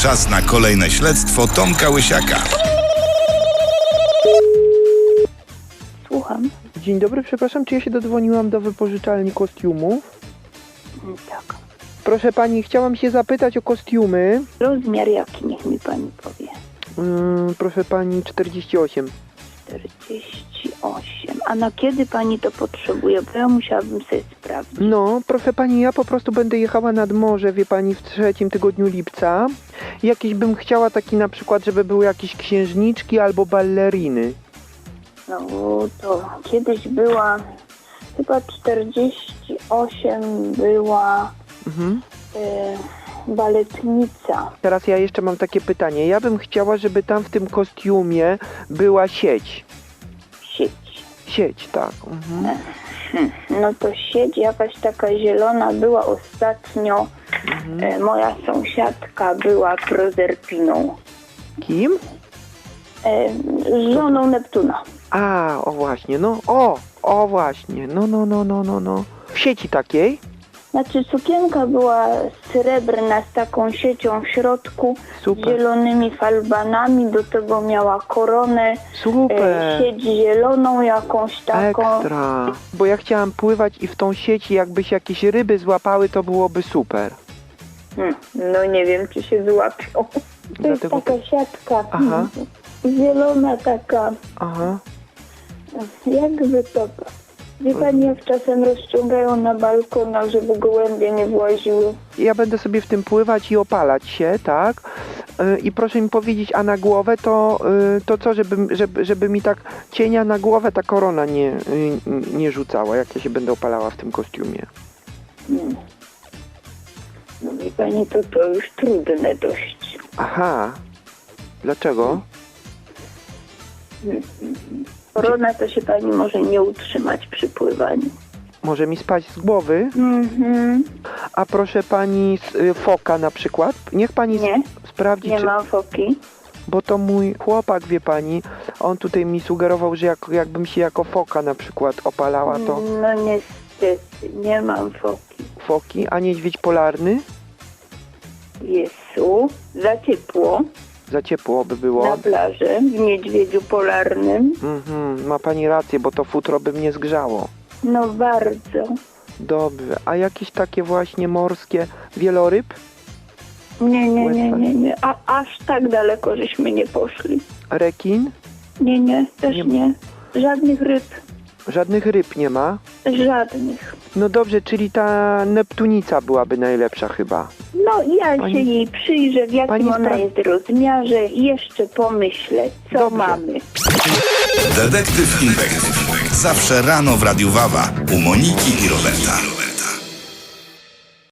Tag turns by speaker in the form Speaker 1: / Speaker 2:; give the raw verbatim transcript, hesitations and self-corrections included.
Speaker 1: Czas na kolejne śledztwo Tomka Łysiaka.
Speaker 2: Słucham.
Speaker 3: Dzień dobry, przepraszam, czy ja się dodzwoniłam do wypożyczalni kostiumów?
Speaker 2: Tak.
Speaker 3: Proszę pani, chciałam się zapytać o kostiumy.
Speaker 2: Rozmiar jaki, niech mi pani powie.
Speaker 3: Yy, proszę pani, czterdzieści osiem.
Speaker 2: czterdzieści osiem. A na kiedy pani to potrzebuje? Bo ja musiałabym sobie sprawdzić.
Speaker 3: No, proszę pani, ja po prostu będę jechała nad morze, wie pani, w trzecim tygodniu lipca. Jakieś bym chciała taki na przykład, żeby były jakieś księżniczki albo balleriny.
Speaker 2: No to kiedyś była chyba czterdzieści osiem była
Speaker 3: Mhm.
Speaker 2: y, baletnica.
Speaker 3: Teraz ja jeszcze mam takie pytanie. Ja bym chciała, żeby tam w tym kostiumie była sieć.
Speaker 2: Sieć.
Speaker 3: Sieć, tak. Mhm.
Speaker 2: Hmm. No to sieć jakaś taka zielona była ostatnio.
Speaker 3: Mhm.
Speaker 2: Y, moja sąsiadka była prozerpiną.
Speaker 3: Kim?
Speaker 2: Y, żoną Neptuna.
Speaker 3: A, o właśnie, no, o, o właśnie, no, no, no, no, no, no. W sieci takiej?
Speaker 2: Znaczy sukienka była srebrna z taką siecią w środku, z
Speaker 3: Super.
Speaker 2: zielonymi falbanami, do tego miała koronę,
Speaker 3: Super.
Speaker 2: e, sieć zieloną jakąś taką.
Speaker 3: Ekstra. Bo ja chciałam pływać i w tą sieci jakby się jakieś ryby złapały, to byłoby super.
Speaker 2: Hmm, no nie wiem, czy się złapią. To
Speaker 3: Dlatego-
Speaker 2: jest taka siatka,
Speaker 3: Aha.
Speaker 2: zielona taka,
Speaker 3: Aha.
Speaker 2: jakby to... Wie pani, jak czasem rozciągają na balkonach, żeby gołębie nie właziły.
Speaker 3: Ja będę sobie w tym pływać i opalać się, tak? Yy, I proszę mi powiedzieć, a na głowę to, yy, to co, żeby, żeby, żeby mi tak cienia na głowę ta korona nie, yy, nie rzucała, jak ja się będę opalała w tym kostiumie.
Speaker 2: Hmm. No wie pani, to to już trudne dość.
Speaker 3: Aha. Dlaczego?
Speaker 2: Korona to się pani może nie utrzymać przy pływaniu.
Speaker 3: Może mi spać z głowy?
Speaker 2: Mhm.
Speaker 3: A proszę pani z y, foka na przykład? Niech pani
Speaker 2: Nie.
Speaker 3: s- sprawdzi,
Speaker 2: Nie
Speaker 3: czy...
Speaker 2: mam foki.
Speaker 3: Bo to mój chłopak, wie pani, on tutaj mi sugerował, że jak, jakbym się jako foka na przykład opalała, to
Speaker 2: No niestety, nie mam foki.
Speaker 3: foki, a niedźwiedź polarny?
Speaker 2: Jezu, za ciepło
Speaker 3: Za ciepło by było.
Speaker 2: na plaży w niedźwiedziu polarnym.
Speaker 3: Mhm, ma pani rację, bo to futro by mnie zgrzało.
Speaker 2: No bardzo.
Speaker 3: Dobrze, a jakieś takie właśnie morskie wieloryb?
Speaker 2: Nie, nie, nie, nie, nie. A aż tak daleko żeśmy nie poszli.
Speaker 3: Rekin?
Speaker 2: Nie, nie, też
Speaker 3: Nie-
Speaker 2: nie. Żadnych ryb.
Speaker 3: Żadnych ryb nie ma?
Speaker 2: Żadnych.
Speaker 3: No dobrze, czyli ta Neptunica byłaby najlepsza chyba.
Speaker 2: No ja
Speaker 3: Pani-
Speaker 2: się jej przyjrzę, w jakim
Speaker 3: Pani
Speaker 2: ona
Speaker 3: spra-
Speaker 2: jest rozmiarze i jeszcze pomyślę, co
Speaker 3: Dobrze.
Speaker 2: mamy.
Speaker 1: Detektyw Inwektyw. Zawsze rano w Radiu Wawa u Moniki i Roberta.